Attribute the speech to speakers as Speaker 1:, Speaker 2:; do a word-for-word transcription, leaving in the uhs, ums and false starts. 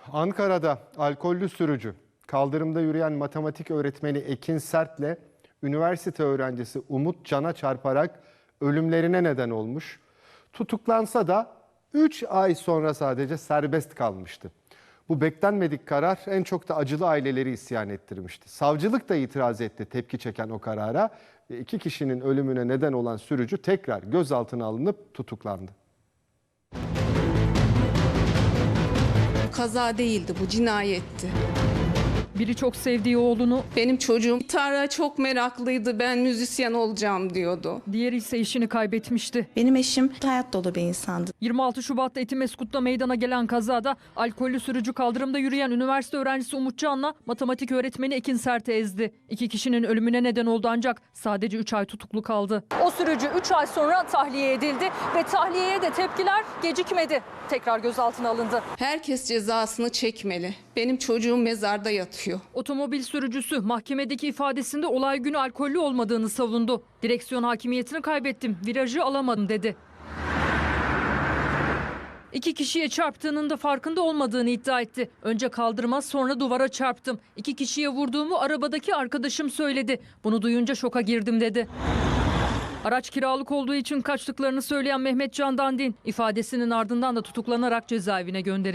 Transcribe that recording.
Speaker 1: Ankara'da alkollü sürücü, kaldırımda yürüyen matematik öğretmeni Ekin Sert'le üniversite öğrencisi Umut Can'a çarparak ölümlerine neden olmuş. Tutuklansa da üç ay sonra sadece serbest kalmıştı. Bu beklenmedik karar en çok da acılı aileleri isyan ettirmişti. Savcılık da itiraz etti tepki çeken o karara ve iki kişinin ölümüne neden olan sürücü tekrar gözaltına alınıp tutuklandı.
Speaker 2: Kaza değildi, bu cinayetti.
Speaker 3: Biri çok sevdiği oğlunu,
Speaker 2: Benim çocuğum gitara çok meraklıydı, ben müzisyen olacağım diyordu.
Speaker 3: diğeri ise eşini kaybetmişti.
Speaker 4: Benim eşim hayat dolu bir insandı.
Speaker 3: yirmi altı Şubat'ta Etimeskut'ta meydana gelen kazada alkollü sürücü kaldırımda yürüyen üniversite öğrencisi Umut Can'la matematik öğretmeni Ekin Sert'i ezdi. İki kişinin ölümüne neden oldu ancak sadece üç ay tutuklu kaldı. O sürücü üç ay sonra tahliye edildi ve tahliyeye de tepkiler gecikmedi. Tekrar gözaltına alındı.
Speaker 2: Herkes cezasını çekmeli. Benim çocuğum mezarda yatıyor.
Speaker 3: Otomobil sürücüsü mahkemedeki ifadesinde olay günü alkollü olmadığını savundu. Direksiyon hakimiyetini kaybettim, virajı alamadım dedi. İki kişiye çarptığının da farkında olmadığını iddia etti. Önce kaldırıma sonra duvara çarptım. İki kişiye vurduğumu arabadaki arkadaşım söyledi. Bunu duyunca şoka girdim dedi. Araç kiralık olduğu için kaçtıklarını söyleyen Mehmet Can Dandin ifadesinin ardından da tutuklanarak cezaevine gönderildi.